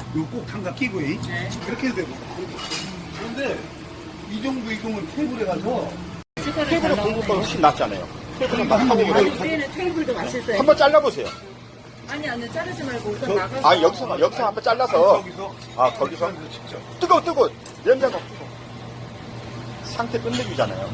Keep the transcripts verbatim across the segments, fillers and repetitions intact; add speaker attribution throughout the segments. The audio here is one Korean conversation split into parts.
Speaker 1: 이거 꼭 장갑 끼고, 이.
Speaker 2: 네.
Speaker 1: 그렇게 해도 되고. 그런데 이 정도 이동은 테이블에 가서
Speaker 2: 색깔이
Speaker 3: 테이블에
Speaker 2: 잘
Speaker 3: 굽는 것보다
Speaker 2: 나오네.
Speaker 3: 훨씬 낫지 않아요? 테이블은 막
Speaker 1: 아니,
Speaker 3: 하고
Speaker 1: 이거
Speaker 3: 그냥
Speaker 2: 아니, 위에는 테이블도 맛있어요.
Speaker 3: 한번 잘라보세요.
Speaker 2: 아니, 아니, 자르지 말고 우선
Speaker 1: 저-
Speaker 2: 나가서.
Speaker 3: 아, 여기서, 여기서 한번 잘라서.
Speaker 1: 저기서
Speaker 3: 아, 거기서?
Speaker 1: 직접.
Speaker 3: 뜨거워, 뜨거워. 냄새가. 상태 끝내주잖아요.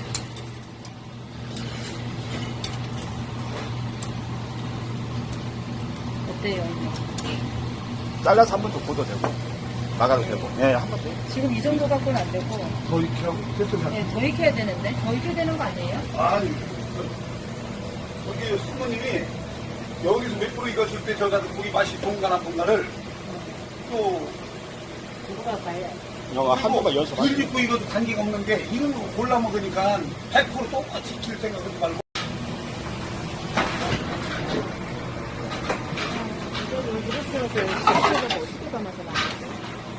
Speaker 2: 어때요, 이거?
Speaker 3: 잘라서 한 번 더 구워도 되고, 나가도 되고. 예, 한 번 더.
Speaker 2: 지금 이 정도 갖고는 안 되고,
Speaker 1: 더 이렇게 하고 됐어.
Speaker 2: 네, 더 익혀야 되는데? 더 익혀야 되는 거 아니에요?
Speaker 1: 아니, 여기 수모님이 여기서 몇 프로 익었을 때 저가 고기 맛이 동간한 동간을 또
Speaker 2: 누가 봐요?
Speaker 3: 영화 한 번만 연습하세요.
Speaker 1: 굴 짓고 이것도 단계가 없는 게 이런 거 골라 먹으니까 백 퍼센트 똑같이 킬 생각하지 말고
Speaker 2: 이거를 이렇게 해서 이렇게 어떻게 담아서 나왔어요?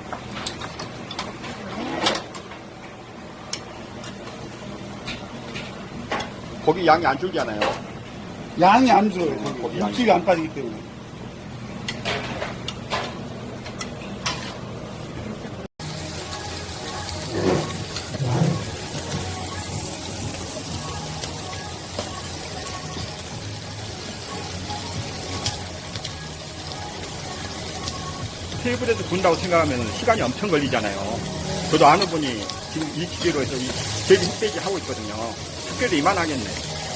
Speaker 3: 고기 양이 안 줄잖아요.
Speaker 1: 양이 안 들어요.
Speaker 3: 거기 양이.
Speaker 1: 육질이 안 빠지기 때문에.
Speaker 3: 테이블에서 군다고 생각하면 시간이 엄청 걸리잖아요. 저도 아는 분이 지금 이 기계로 해서 이 제비 흑돼지 하고 있거든요. 흑돼도 이만하겠네.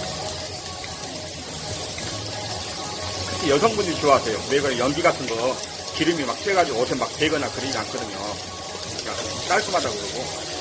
Speaker 3: 특히 여성분들이 좋아하세요. 왜냐면 연기 같은 거 기름이 막 쬐가지고 옷에 막 배거나 그러지 않거든요. 그러니까 깔끔하다고 그러고.